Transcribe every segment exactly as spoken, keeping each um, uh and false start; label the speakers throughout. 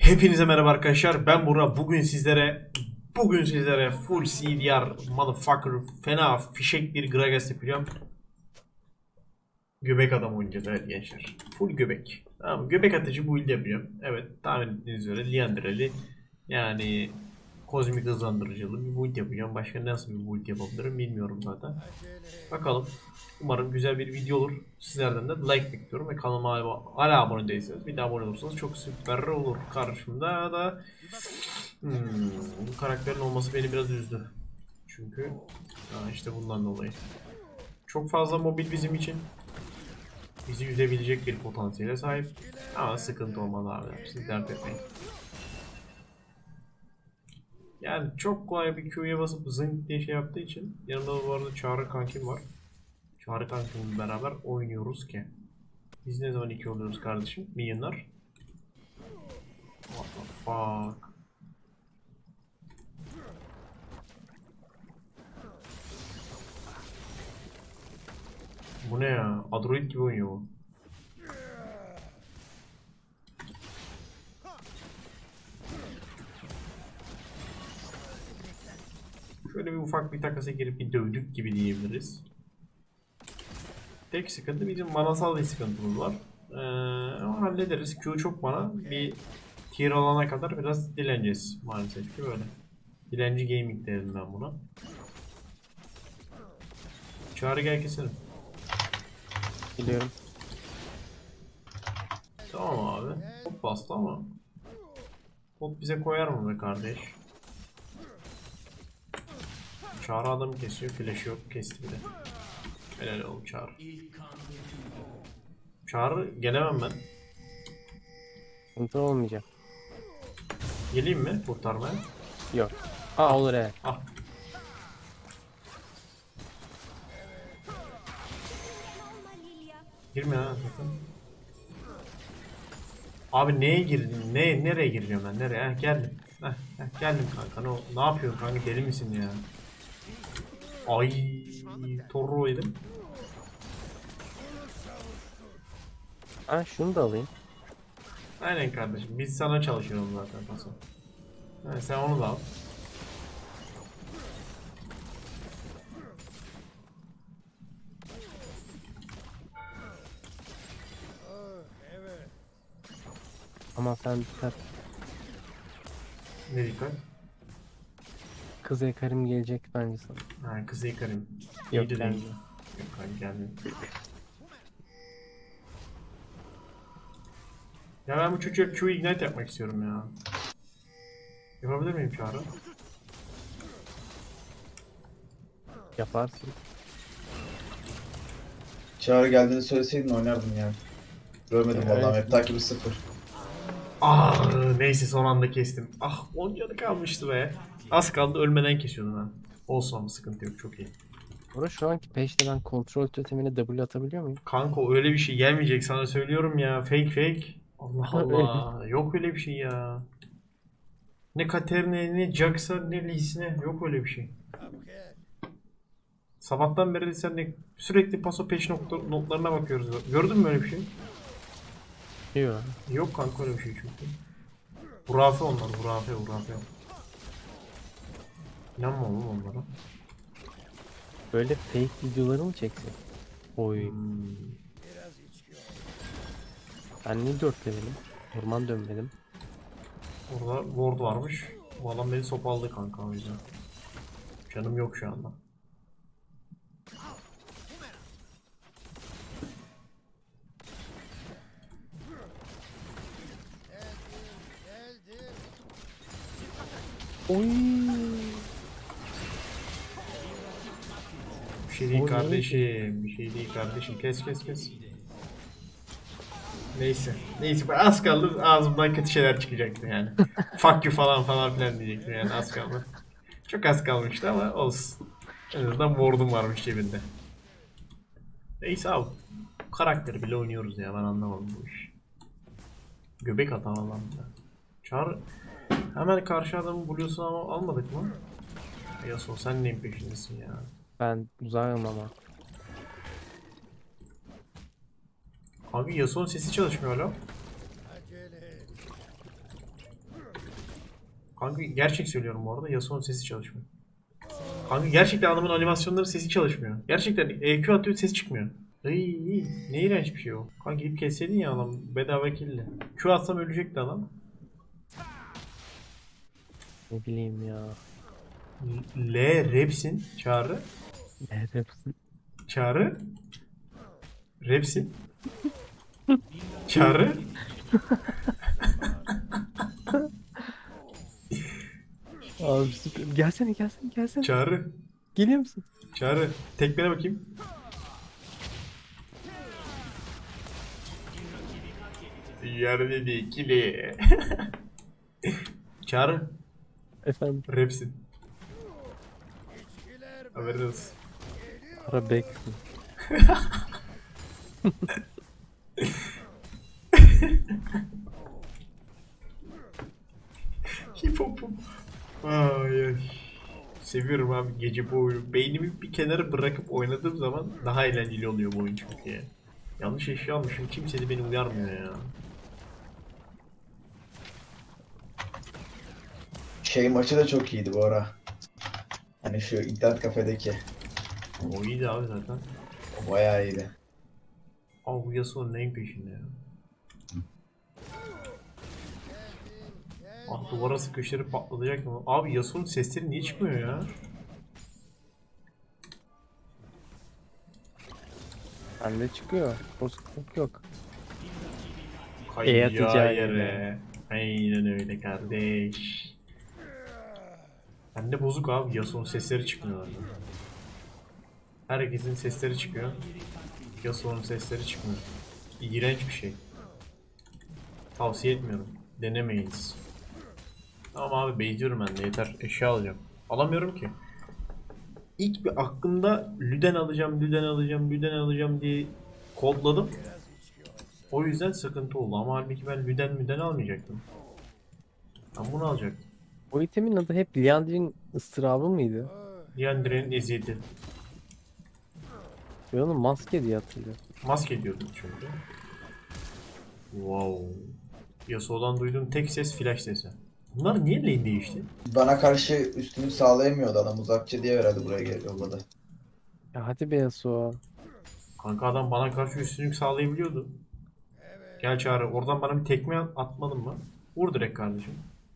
Speaker 1: Hepinize merhaba arkadaşlar. Ben Burak. Bugün sizlere bugün sizlere full C D R motherfucker fena fişek bir Gragas yapacağım. Göbek adam oynayacağız, evet gençler. Full göbek. Tamam, göbek atıcı build yapacağım. Evet, tahmin ettiğiniz üzere Liandra'lı, yani kozmik hızlandırıcılı bir build yapacağım. Başka nasıl bir build yapabilirim bilmiyorum zaten. Bakalım. Umarım güzel bir video olur. Sizlerden de like bekliyorum ve kanalıma hala abone değilseniz bir de abone olursanız çok süper olur. Karşımda da hmm, bu karakterin olması beni biraz üzdü. Çünkü ha, işte bundan dolayı. Çok fazla mobil bizim için. Bizi üzebilecek bir potansiyele sahip. Ama sıkıntı olmaz abi. Siz dert etmeyin. Yani çok kolay bir Q'ya basıp zınk diye şey yaptığı için yanımda bu arada Çağrı kankim var. Çağrı kankimle beraber oynuyoruz ki. Biz ne zaman iki oluyoruz kardeşim? Milyonlar. What the fuck? Bu ne ya? Android gibi oynuyor bu. Şöyle bir ufak bir takasa girip bir dövdük gibi diyebiliriz. Tek sıkıntı bizim manasal bir sıkıntımız var. Ee, ama hallederiz. Q çok mana. Bir tier alana kadar biraz dileneceğiz maalesef ki böyle. Dilenci gaming derim ben buna. Çağrı gel keselim.
Speaker 2: Biliyorum.
Speaker 1: Tamam abi. Hop bastı ama. Hop bize koyar mı be kardeş? Çağrı adamı kesiyor. Flash yok. Kesti bile. Helal olsun Çağrı. Çağrı gelemem ben.
Speaker 2: Sıkıntı olmayacak.
Speaker 1: Geleyim mi kurtarmaya?
Speaker 2: Yok. Aa olur evet.
Speaker 1: Ah. Girme ha sakın. Abi neye girdin? Ne nereye gireceğim ben? Nereye? Heh, geldim. Heh, heh, geldim kanka. Ne, ne yapıyorsun kanka? Deli misin ya? Ay, Torro yedim.
Speaker 2: Ha şunu da alayım.
Speaker 1: Aynen kardeşim. Biz sana çalışıyoruz zaten paso. Ha, sen onu da al.
Speaker 2: Ama sen dikkat.
Speaker 1: Ne dikkat?
Speaker 2: Kız Ekarim gelecek bence sana.
Speaker 1: Ha, kızı yıkarım.
Speaker 2: Yok,
Speaker 1: İyi de
Speaker 2: geldi.
Speaker 1: değil. Yok kanka gelmiyor. Ya ben bu çocuğa Q ignite yapmak istiyorum ya. Yapabilir miyim Çağrı?
Speaker 2: Yaparsın.
Speaker 3: Çağrı geldiğini söyleseydin oynardım yani. Görmedim
Speaker 2: Evet.
Speaker 3: vallahi, hep takibi sıfır.
Speaker 1: Ah neyse son anda kestim. Ah on canı kalmıştı be. Az kaldı ölmeden kesiyordum ha. Olsun ama sıkıntı yok, çok iyi.
Speaker 2: Burada şu anki peşte ben kontrol totemine W atabiliyor muyum?
Speaker 1: Kanka öyle bir şey gelmeyecek sana söylüyorum ya. Fake fake. Allah
Speaker 2: Öyle.
Speaker 1: Allah. Yok öyle bir şey ya. Ne Katerina ne Jax'a ne Lee'sine yok öyle bir şey. Sabahtan beri sen de sürekli paso peş nokta, notlarına bakıyoruz. Gördün mü öyle bir şey?
Speaker 2: Yok.
Speaker 1: Yok kanka öyle bir şey çünkü. Hurafe onlar, hurafe hurafe. İnanma oğlum onlara.
Speaker 2: Böyle fake videoları mı çeksin? Oy.
Speaker 1: Hmm.
Speaker 2: Ben niye dört levelim? Orman dönmedim.
Speaker 1: Orada ward varmış. Bu adam beni sopaladı kanka o yüzden. Canım yok şu anda.
Speaker 2: Oy.
Speaker 1: Bir şey değil
Speaker 2: O
Speaker 1: kardeşim. Bir şey değil kardeşim. Kes kes kes. Neyse. Neyse az kaldı ağzımdan kötü şeyler çıkacaktı yani. Fuck you falan falan filan diyecektim yani az kaldı. Çok az kalmıştı ama olsun. En azından ward'um varmış cebinde. Neyse abi. Karakteri bile oynuyoruz ya, ben anlamadım bu iş. Göbek atan adam ya. Çağır. Hemen karşı adamı buluyorsun ama almadık mı? Yasuo sen neyin peşindesin ya?
Speaker 2: Ben uzağım ama.
Speaker 1: Abi Yasuo'nun sesi çalışmıyor hala. Kanka gerçek söylüyorum bu arada. Yasuo'nun sesi çalışmıyor. Kanka gerçekten adamın animasyonları sesi çalışmıyor. Gerçekten E Q atıyor sesi çıkmıyor. Iy, ne iğrenç bir şey o. Kanka gidip kesseydin ya adam bedava killi. Q atsam ölecekti adam.
Speaker 2: Ne bileyim ya.
Speaker 1: L Repsin çağrı.
Speaker 2: Evet.
Speaker 1: Çağrı. Repsin. Çağrı.
Speaker 2: Abi süper. Gelsene gelsene gelsene.
Speaker 1: Çağrı.
Speaker 2: Geliyor musun?
Speaker 1: Çağrı. Tekmene bakayım. Yerde bir ikili. Çağrı.
Speaker 2: Efendim.
Speaker 1: Repsin. Haberin olsun.
Speaker 2: Ara beksin.
Speaker 1: Hip hop'um. Ay ay. Seviyorum abi gece bu oyunu. Beynimi bir kenara bırakıp oynadığım zaman daha eğlenceli oluyor bu oyun çünkü ya. Yanlış eşya almışım. Kimse de beni uyarmıyor ya.
Speaker 3: Şey maçı da çok iyiydi bu ara. Hani şu internet kafedeki.
Speaker 1: O iyiydi abi zaten.
Speaker 3: O bayağı iyiydi.
Speaker 1: Abi bu Yasuo'nun neyin peşinde ya? Ah duvara sıkıştırıp patlayacak mı? Abi Yasuo'nun sesleri niye çıkmıyor ya?
Speaker 2: Bende çıkıyor. Bozukluk yok. E
Speaker 1: Kayacağı
Speaker 2: atacağı
Speaker 1: yere.
Speaker 2: yere.
Speaker 1: Aynen öyle kardeş. Bende bozuk abi Yasuo'nun sesleri çıkmıyor. Herkesin sesleri çıkıyor. Yasuo'nun sesleri çıkmıyor. İğrenç bir şey. Tavsiye etmiyorum. Denemeyiniz. Tamam abi beyziyorum ben de yeter. Eşya alacağım. Alamıyorum ki. İlk bir aklımda Lüden alacağım, Lüden alacağım, Lüden alacağım diye kodladım. O yüzden sıkıntı oldu ama halbuki ben Lüden Lüden almayacaktım. Ben bunu alacaktım.
Speaker 2: O itemin adı hep Liandry'in ıstırabı mıydı?
Speaker 1: Diandre'nin eziyeti.
Speaker 2: Ben onu maske diye hatırlıyorum.
Speaker 1: Maske diyordum çünkü. Wow. Yasuo'dan duyduğum tek ses flash sesi. Bunlar niye lane değişti?
Speaker 3: Bana karşı üstünlük sağlayamıyordu adam. Uzakçı diye herhalde buraya gel- yolladı.
Speaker 2: Ya hadi be Yasuo.
Speaker 1: Kanka adam bana karşı üstünlük sağlayabiliyordu. Gel Çağrı oradan bana bir tekme at- atmadın mı? Vur direkt kardeşim.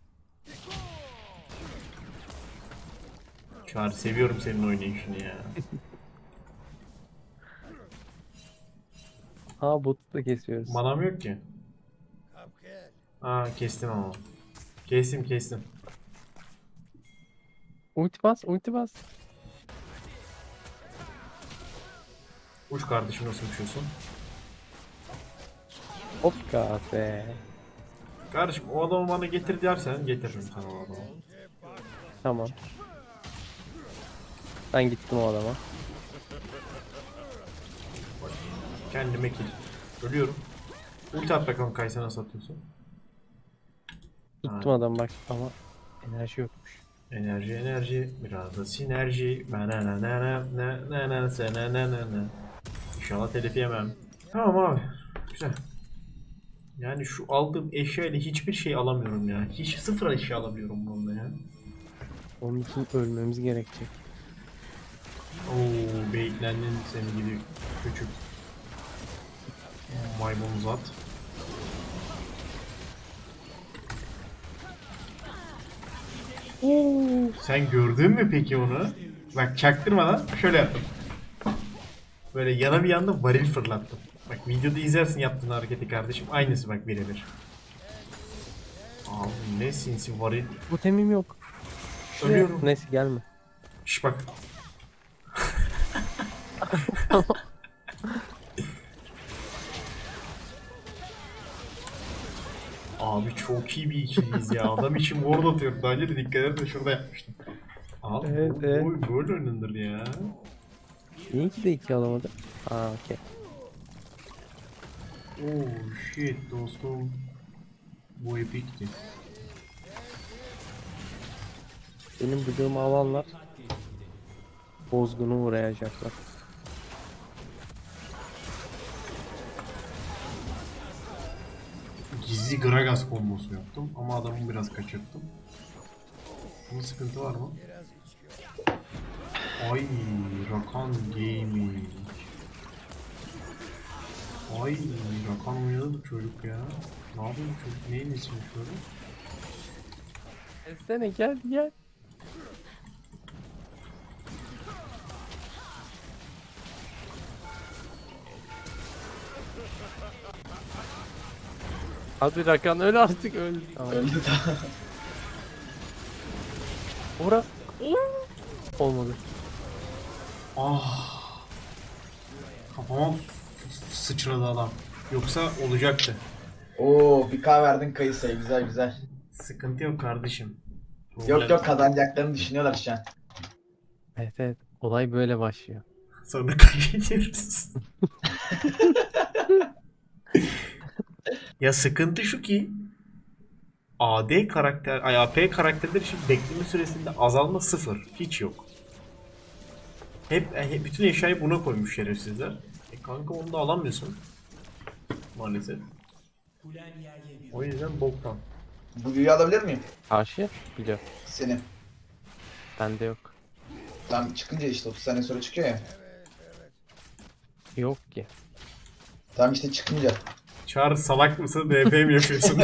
Speaker 1: Çağrı seviyorum senin oynayışını ya.
Speaker 2: Ha botu da kesiyoruz.
Speaker 1: Manam yok ki. Aa kestim ama. Kestim kestim.
Speaker 2: Ulti bas, ulti bas.
Speaker 1: Uç kardeşim nasıl uçuyorsun?
Speaker 2: Hop be.
Speaker 1: Kardeşim o adamı bana getir dersen getiririm sana o adamı.
Speaker 2: Tamam. Ben gittim o adama.
Speaker 1: Kendime kill. Ölüyorum. Ulti at bakalım Kaysa nasıl atıyorsun?
Speaker 2: Tuttum adam bak ama enerji yokmuş.
Speaker 1: Enerji enerji biraz da sinerji. Na na na na na na na na na na na na. İnşallah telif yemem. Tamam abi. Güzel. Yani şu aldığım eşya ile hiçbir şey alamıyorum ya. Hiç sıfır eşya alamıyorum bununla ya.
Speaker 2: Onun için ölmemiz gerekecek.
Speaker 1: Oo, beklendin seni gibi küçük maymun zat. Oo, sen gördün mü peki onu? Bak çaktırmadan şöyle yaptım. Böyle yana bir yanda varil fırlattım. Bak videoda izlersin yaptığın hareketi kardeşim. Aynısı bak birebir. Abi ne sinsi varil.
Speaker 2: Bu temim yok. Şuraya-
Speaker 1: Ölüyorum.
Speaker 2: Neyse gelme.
Speaker 1: Şş bak. Abi çok iyi bir ikiliyiz ya. Adam için ward atıyorum. Daha önce de dikkat edersen şurada yapmıştım. Abi
Speaker 2: Evet,
Speaker 1: bu,
Speaker 2: evet.
Speaker 1: bu oyun böyle oynanır ya.
Speaker 2: İyi ki de iki alamadı. Aa okey.
Speaker 1: Oh shit dostum. Bu epikti.
Speaker 2: Benim bıdığımı alanlar bozgunu uğrayacaklar.
Speaker 1: Gizli Gragas kombosu yaptım ama adamı biraz kaçırttım. Bunun sıkıntı var mı? Ay, Rakan Gaming. Ay, Rakan oynadı bu çocuk ya. Ne yapıyor bu çocuk? Neyin ismi şöyle?
Speaker 2: Gelsene gel gel. Hadi Rakan öl artık öl. Tamam.
Speaker 3: Öldü daha.
Speaker 2: Ora. Olmadı.
Speaker 1: Ah. Kafama f- sıçradı adam. Yoksa olacaktı.
Speaker 3: Oo bir K verdin Kayısı'ya, güzel güzel.
Speaker 1: Sıkıntı yok kardeşim.
Speaker 3: Yok yok, kazanacaklarını düşünüyorlar şu an.
Speaker 2: Evet evet. Olay böyle başlıyor.
Speaker 1: Sonra kaybediyoruz. Ya sıkıntı şu ki A D karakter, ay A P karakterler için bekleme süresinde azalma sıfır. Hiç yok. Hep, hep bütün eşyayı buna koymuş şerefsizler. E kanka onu da alamıyorsun. Maalesef. O yüzden boktan.
Speaker 3: Bu büyüyü alabilir miyim?
Speaker 2: Karşı biliyor.
Speaker 3: Senin.
Speaker 2: Bende yok.
Speaker 3: Tam çıkınca işte otuz saniye sonra çıkıyor ya.
Speaker 2: Yok ki.
Speaker 3: Tam işte çıkınca.
Speaker 1: Çağrı salak mısın? B P mi yapıyorsun?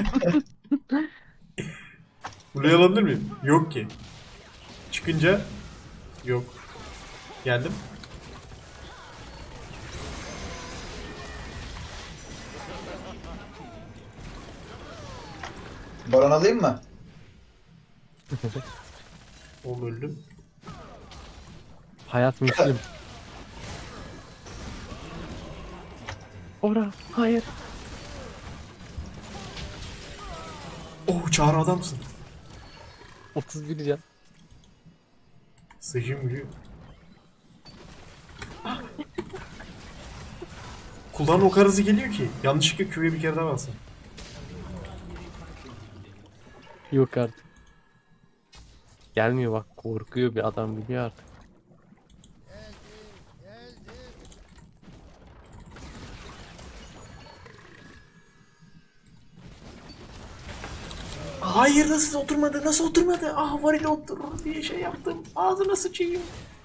Speaker 1: Buraya alabilir miyim? Yok ki. Çıkınca yok. Geldim.
Speaker 3: Baron alayım mı?
Speaker 1: Oğlum öldüm.
Speaker 2: Hayat Müslüm. Ora. Hayır.
Speaker 1: Oh, Çağrı adamsın.
Speaker 2: otuz bir can.
Speaker 1: Sıcım gibi. Kulağın o kadar hızlı geliyor ki. Yanlışlıkla Q'ya bir kere daha basın.
Speaker 2: Yok artık. Gelmiyor bak, korkuyor bir adam, biliyor artık.
Speaker 1: Hayır, nasıl oturmadı? Nasıl oturmadı? Ah, varil oturur diye şey yaptım. Ağzına sıçayım.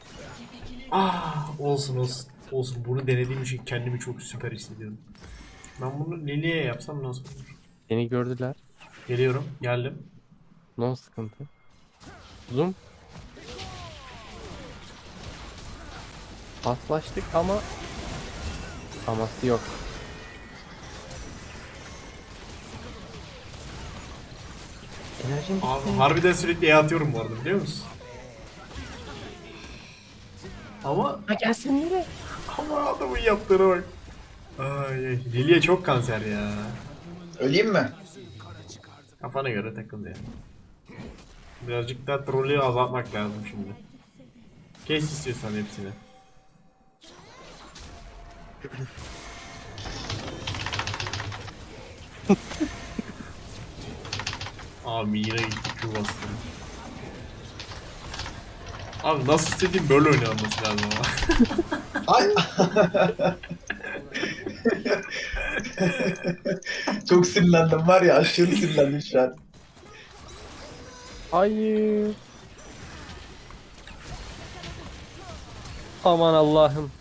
Speaker 1: Ah, olsun olsun. Olsun, bunu denediğim için kendimi çok süper hissediyorum. Ben bunu Lili'ye yapsam nasıl olur?
Speaker 2: Seni gördüler.
Speaker 1: Geliyorum, geldim.
Speaker 2: No sıkıntı. Zoom. Paslaştık ama aması yok. Enerjim bitti.
Speaker 1: Abi harbiden sürekli E atıyorum bu arada, biliyor musun? Ama
Speaker 2: Ha gelsin nereye?
Speaker 1: ama adamın yaptığına bak. Ay, ay. Lili'ye çok kanser ya.
Speaker 3: Öleyim mi?
Speaker 1: Kafana göre takıl ya. Birazcık daha trolü azaltmak lazım şimdi. Kes istiyorsan hepsini. Abi yine gitti Q bastım. Abi nasıl istediğim böyle oynanması lazım ama.
Speaker 3: Ay. Çok sinirlendim var ya, aşırı sinirlendim şu an.
Speaker 2: Hayır. Aman Allah'ım.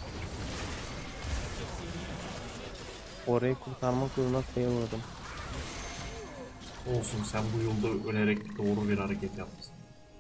Speaker 2: Orayı kurtarmak yoluna sayılmadım.
Speaker 1: Olsun, sen bu yolda ölerek doğru bir hareket yapmışsın.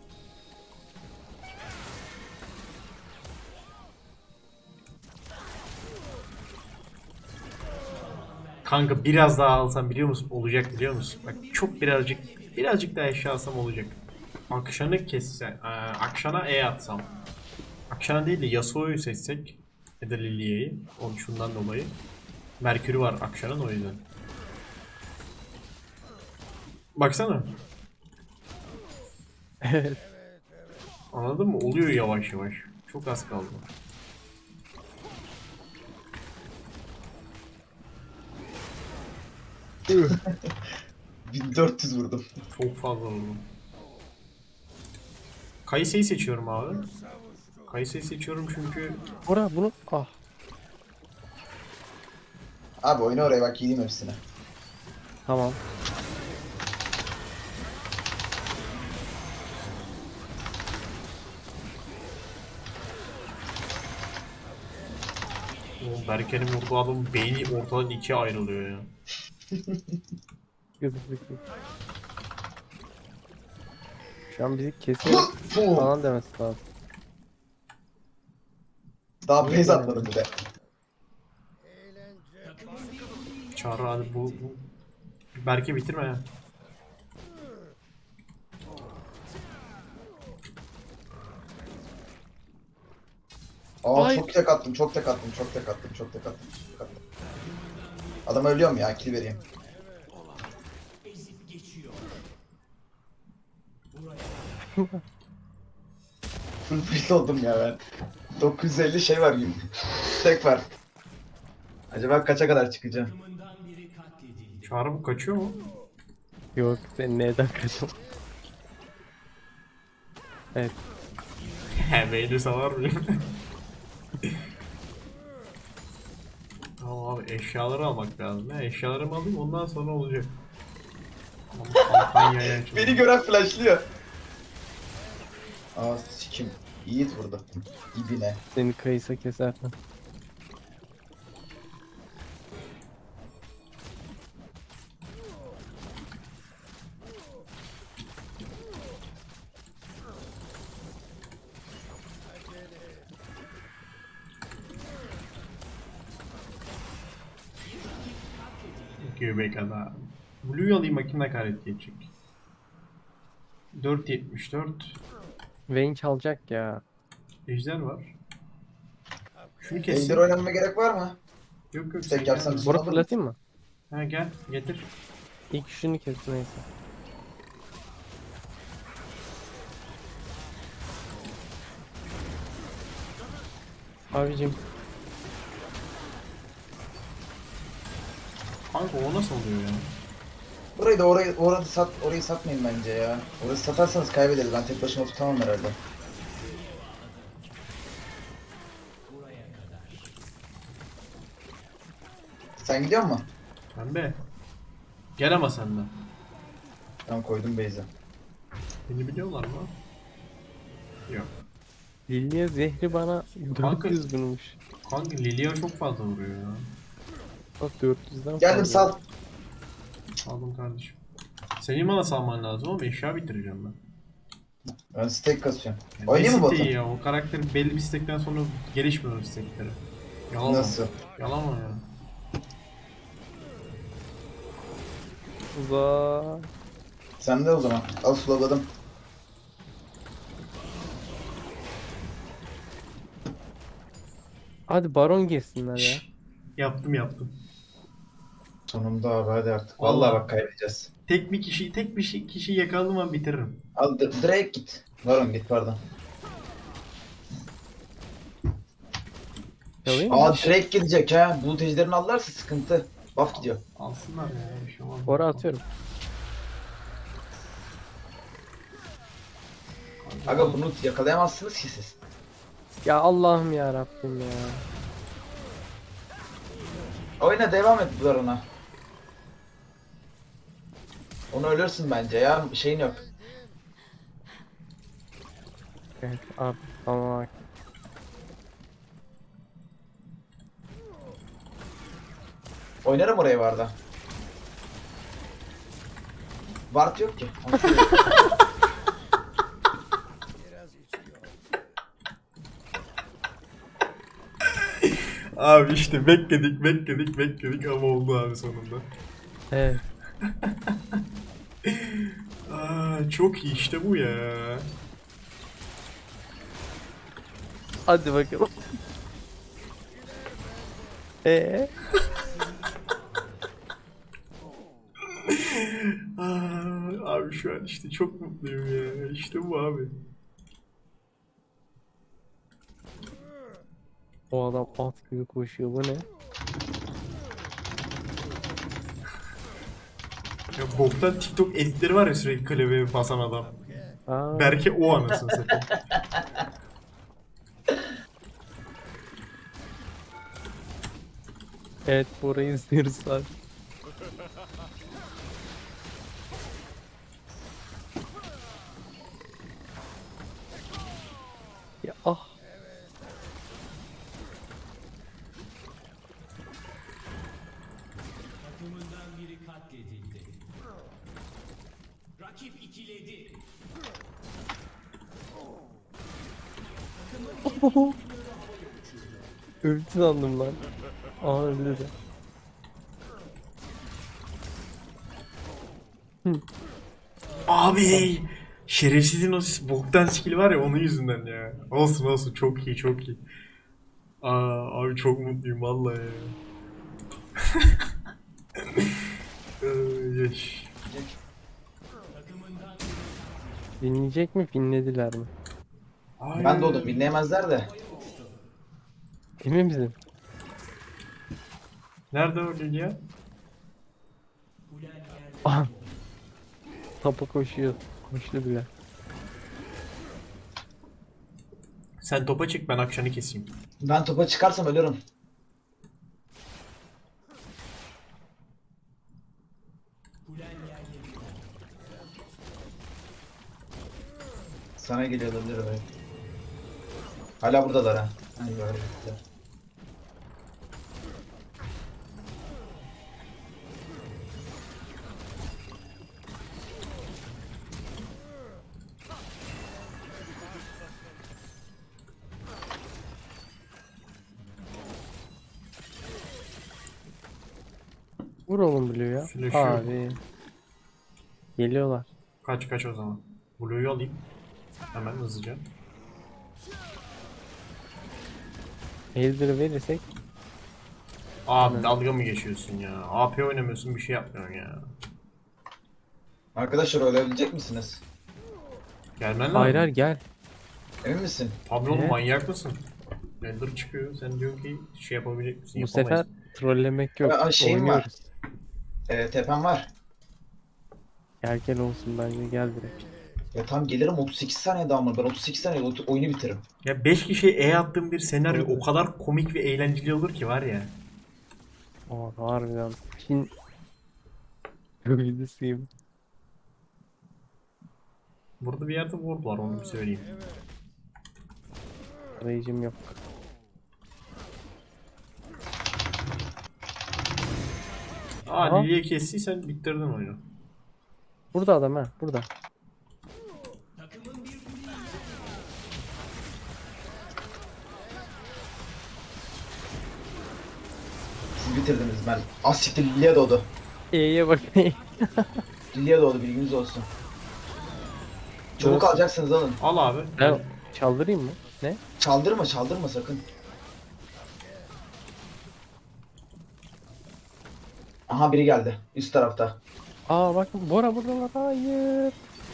Speaker 1: Kanka biraz daha alsam biliyor musun? Olacak, biliyor musun? Bak çok birazcık birazcık daha eşya alsam olacak. Akşan'ı kesse, e, Akşan'a E atsam. Akşan'a değil de Yasuo'yu seçsek ya da Lilia'yı. Onun şundan dolayı. Merkür'ü var Akşan'ın, o yüzden. Baksana. Anladın mı? Oluyor yavaş yavaş. Çok az kaldı.
Speaker 3: bin dört yüz vurdum.
Speaker 1: Çok fazla oldu. Kayse'yi seçiyorum abi. Kayse'yi seçiyorum çünkü
Speaker 2: Ora bunu ah.
Speaker 3: Abi oyna oraya bak, yiyeyim hepsini.
Speaker 2: Tamam.
Speaker 1: Oğlum Berke'nin vurduğu adamın beyni ortadan ikiye ayrılıyor ya.
Speaker 2: Gıdık gıdık. Şu an bizi kesiyor falan demesi lazım.
Speaker 3: Daha
Speaker 2: Niye
Speaker 3: base
Speaker 2: böyle
Speaker 3: atmadım bir de.
Speaker 1: Çağrı hadi bu, bu... Berke bitirme ya.
Speaker 3: Aa
Speaker 2: Ay.
Speaker 3: çok tek attım, çok tek attım, çok tek attım, çok tek attım. Çok tek attım. Adam ölüyor mu ya? Kill vereyim. Full free oldum ya ben. dokuz yüz elli şey var gibi. Tek var. Acaba kaça kadar çıkacağım?
Speaker 1: Çağrı bu kaçıyor mu?
Speaker 2: Yok sen neden kaçın? Evet.
Speaker 1: He beyni salar mıyım? Tamam abi eşyaları almak lazım. Ya. Eşyalarımı alayım ondan sonra olacak. Ama kampanyaya açıldı.
Speaker 3: Beni gören flashlıyor. Aa sikim. Yiğit vurdu. Dibine.
Speaker 2: Seni kayısa keser.
Speaker 1: Göbek adam. Blue'yu alayım bakayım ne kadar etki edecek. dört yetmiş dört.
Speaker 2: Vayne çalacak ya.
Speaker 1: Ejder var. Şunu
Speaker 3: Ejder
Speaker 1: keseyim.
Speaker 3: oynanma gerek var mı?
Speaker 1: Yok yok
Speaker 3: Tek
Speaker 1: sen
Speaker 3: yapsam
Speaker 1: gel.
Speaker 3: bir-
Speaker 2: Bora fırlatayım mı?
Speaker 1: Ha gel getir.
Speaker 2: İlk şunu kes neyse. Abicim
Speaker 1: Kanka o nasıl oluyor ya?
Speaker 3: Burayı da orayı, orada sat, orayı satmayın bence ya. Orayı satarsanız kaybederiz. Ben tek başıma tutamam herhalde. Sen gidiyor musun?
Speaker 1: Pembe. Gel ama sen de.
Speaker 3: Tamam koydum base'e.
Speaker 1: Beni biliyorlar mı? Yok.
Speaker 2: Lilia zehri bana
Speaker 1: Kanka-
Speaker 2: dört yüz bulmuş.
Speaker 1: Kanka Lilia çok fazla vuruyor ya.
Speaker 2: Bak dört yüzden
Speaker 3: Geldim
Speaker 2: fazla.
Speaker 3: sal.
Speaker 1: Aldım kardeşim. Senin bana salman lazım ama eşya bitireceğim ben.
Speaker 3: Ben stack kasıyorum.
Speaker 1: Yani
Speaker 3: Oynayayım mı
Speaker 1: ne
Speaker 3: botu?
Speaker 1: siteyi ya? O karakter belli bir stekten sonra gelişmiyor o stekleri. Yalan
Speaker 3: Nasıl?
Speaker 1: mı? Yalan mı ya?
Speaker 2: Uzak.
Speaker 3: Sen de o zaman. Al slowladım.
Speaker 2: Hadi baron girsinler ya.
Speaker 1: Şşş. Yaptım yaptım.
Speaker 3: Sonunda abi hadi artık.
Speaker 1: Vallahi.
Speaker 3: Vallahi bak kaybedeceğiz.
Speaker 1: Tek bir kişi, tek bir şey, kişi yakaladım ben bitiririm.
Speaker 3: Al D- Drake git. Varon git pardon.
Speaker 2: Yalayım mı?
Speaker 3: Aa Drake gidecek ha. Bu tejderini alırlarsa sıkıntı. Buff gidiyor.
Speaker 1: Alsınlar ya bir şey olmaz.
Speaker 2: Bora atıyorum.
Speaker 3: Aga bunu yakalayamazsınız ki siz.
Speaker 2: Ya Allah'ım ya Rabbim ya.
Speaker 3: Oyna devam et Baron'a. Onu ölürsün bence ya. Şeyin yok.
Speaker 2: Evet abi tamam bak.
Speaker 3: Oynarım oraya varda. Ward yok ki.
Speaker 1: Abi işte bekledik, bekledik, bekledik ama oldu abi sonunda.
Speaker 2: Evet.
Speaker 1: Aa, çok iyi işte bu ya.
Speaker 2: Hadi bakalım. Eee?
Speaker 1: Aa, abi şu an işte çok mutluyum ya. İşte bu abi.
Speaker 2: O adam at gibi koşuyor bu ne?
Speaker 1: Ya boktan TikTok editleri var ya sürekli klavyeye basan adam.
Speaker 2: Aa,
Speaker 1: Berke o anasını satayım.
Speaker 2: evet burayı izliyoruz abi. Ya ah. Öldü sandım lan. Aa öldü de.
Speaker 1: Abi şerefsizin o boktan skill var ya onun yüzünden ya. Olsun olsun çok iyi çok iyi. Aa, abi çok mutluyum vallahi ya. Ay, yaş.
Speaker 2: Dinleyecek mi? Dinlediler mi?
Speaker 1: Ay.
Speaker 3: Ben de oldum dinleyemezler de.
Speaker 2: Emin misin?
Speaker 1: Nerede o Lilia?
Speaker 2: Aha. Tapa koşuyor. Koştu bile.
Speaker 1: Sen topa çık ben akşamı keseyim.
Speaker 3: Ben topa çıkarsam ölürüm. Sana geliyor olabilir evet. Hala buradalar ha. Ay bari gittiler.
Speaker 2: Vur oğlum Blue ya.
Speaker 1: Flash yok.
Speaker 2: Abi. Geliyorlar.
Speaker 1: Kaç kaç o zaman. Blue'yu alayım. Hemen hızlıca.
Speaker 2: Elder'ı verirsek
Speaker 1: Abi dalga mı geçiyorsun ya? A P oynamıyorsun bir şey yapmıyorsun ya.
Speaker 3: Arkadaşlar ölebilecek misiniz?
Speaker 1: Gelmen lazım.
Speaker 2: hayır hayır gel.
Speaker 3: Emin misin?
Speaker 1: Tabii oğlum
Speaker 2: Ne?
Speaker 1: manyak mısın? Ender çıkıyor. Sen diyorsun ki şey yapabilecek misin?
Speaker 2: Bu
Speaker 1: Yapamayız.
Speaker 2: sefer trollemek yok.
Speaker 3: Aa, şeyim var.
Speaker 2: Oynuyoruz.
Speaker 3: Ee, tepem var.
Speaker 2: Gel gel olsun bence gel direkt.
Speaker 3: Ya tam gelirim otuz sekiz saniye daha mı? Ben otuz sekiz saniye otu- oyunu bitiririm.
Speaker 1: Ya beş kişiye E attığım bir senaryo
Speaker 2: Doğru.
Speaker 1: o kadar komik ve eğlenceli olur ki var ya.
Speaker 2: Aa harbiden. Çin videosuyum.
Speaker 1: Burada bir yerde ward var onu bir söyleyeyim.
Speaker 2: Arayıcım yok.
Speaker 1: Aa
Speaker 2: Aha.
Speaker 1: Lilia'yı kestiysen bitirdin oyunu.
Speaker 2: Burada adam ha burada.
Speaker 3: Siz bitirdiniz ben. Az siktir Lilia doğdu.
Speaker 2: E'ye bakayım.
Speaker 3: Lilia doğdu bilginiz olsun. Çabuk
Speaker 2: Doğru.
Speaker 3: alacaksınız alın.
Speaker 1: Al abi.
Speaker 2: Ben çaldırayım mı? Ne?
Speaker 3: Çaldırma çaldırma sakın. Aha biri geldi üst tarafta.
Speaker 2: Aa bak Bora burada var. Hayır.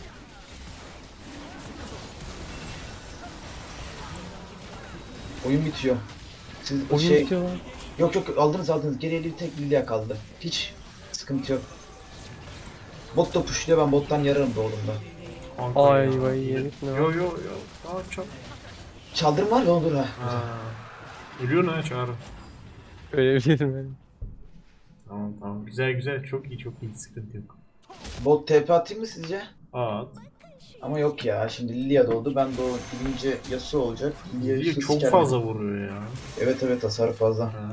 Speaker 3: Oyun bitiyor. Siz
Speaker 2: Oyun
Speaker 3: şey
Speaker 2: bitiyor lan.
Speaker 3: yok yok aldınız aldınız. Geriye bir tek Lilia kaldı. Hiç sıkıntı yok. Bot da pushluyor ben bottan yararım doğduğumda.
Speaker 1: Kanka
Speaker 2: Ay
Speaker 1: ya.
Speaker 2: vay yedik mi?
Speaker 1: Yo yo yo. Daha çok.
Speaker 3: Çaldırma var ya olur ha.
Speaker 1: Ha. Ölüyorsun ha Çağrı.
Speaker 2: Öyle bir şey dedim.
Speaker 1: Tamam tamam. Güzel güzel. Çok iyi çok iyi. Sıkıntı yok.
Speaker 3: Bot T P atayım mı sizce?
Speaker 1: At.
Speaker 3: Ama yok ya şimdi Lilia doğdu ben doğ gidince Yasuo olacak. Lilia
Speaker 1: Lilia
Speaker 3: Yasuo
Speaker 1: çok
Speaker 3: siker
Speaker 1: fazla
Speaker 3: beni.
Speaker 1: vuruyor ya.
Speaker 3: Evet evet hasar fazla.
Speaker 1: Ha.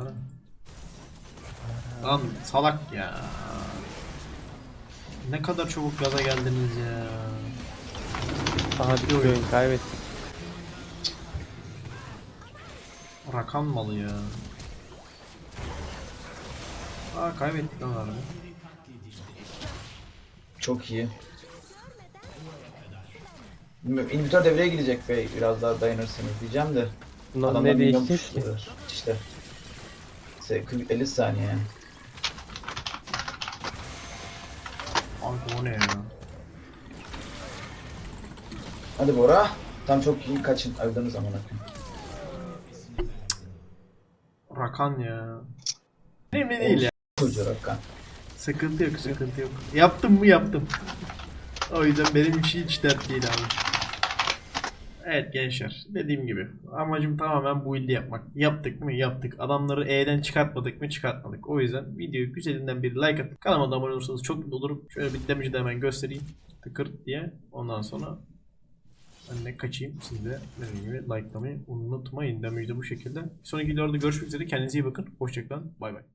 Speaker 1: Lan salak ya. Ne kadar çabuk gaza geldiniz ya.
Speaker 2: Aha bir oyun kaybettik.
Speaker 1: Rakan malı ya. Aa kaybettik lan harbi.
Speaker 3: Çok iyi. Bilmiyorum, İnhibitör devreye girecek be biraz daha dayanırsınız diyeceğim de.
Speaker 2: Lan
Speaker 3: Adamlar
Speaker 2: ne
Speaker 3: milyon
Speaker 2: değişecek ki?
Speaker 3: pushluyorlar. İşte. Se- kırk elli saniye yani.
Speaker 1: Kanka o ne ya?
Speaker 3: Hadi Bora. Tam çok iyi kaçın öldüğünüz zaman.
Speaker 1: Rakan ya. Önemli değil ya.
Speaker 3: Çocuğu Rakkan.
Speaker 1: Sıkıntı yok sıkıntı yok. Yaptım mı yaptım. O yüzden benim için hiç dert değil abi. Evet gençler dediğim gibi amacım tamamen bu build'i yapmak. Yaptık mı yaptık. Adamları E'den çıkartmadık mı çıkartmadık. O yüzden videoyu güzelinden bir like atıp kanalıma da abone olursanız çok mutlu olurum. Şöyle bir damage'i de hemen göstereyim. Tıkırt diye. Ondan sonra ben de kaçayım. Siz de dediğim gibi likelamayı unutmayın. Damage'i de bu şekilde. Bir sonraki videolarda görüşmek üzere. Kendinize iyi bakın. Hoşçakalın. Bay bay.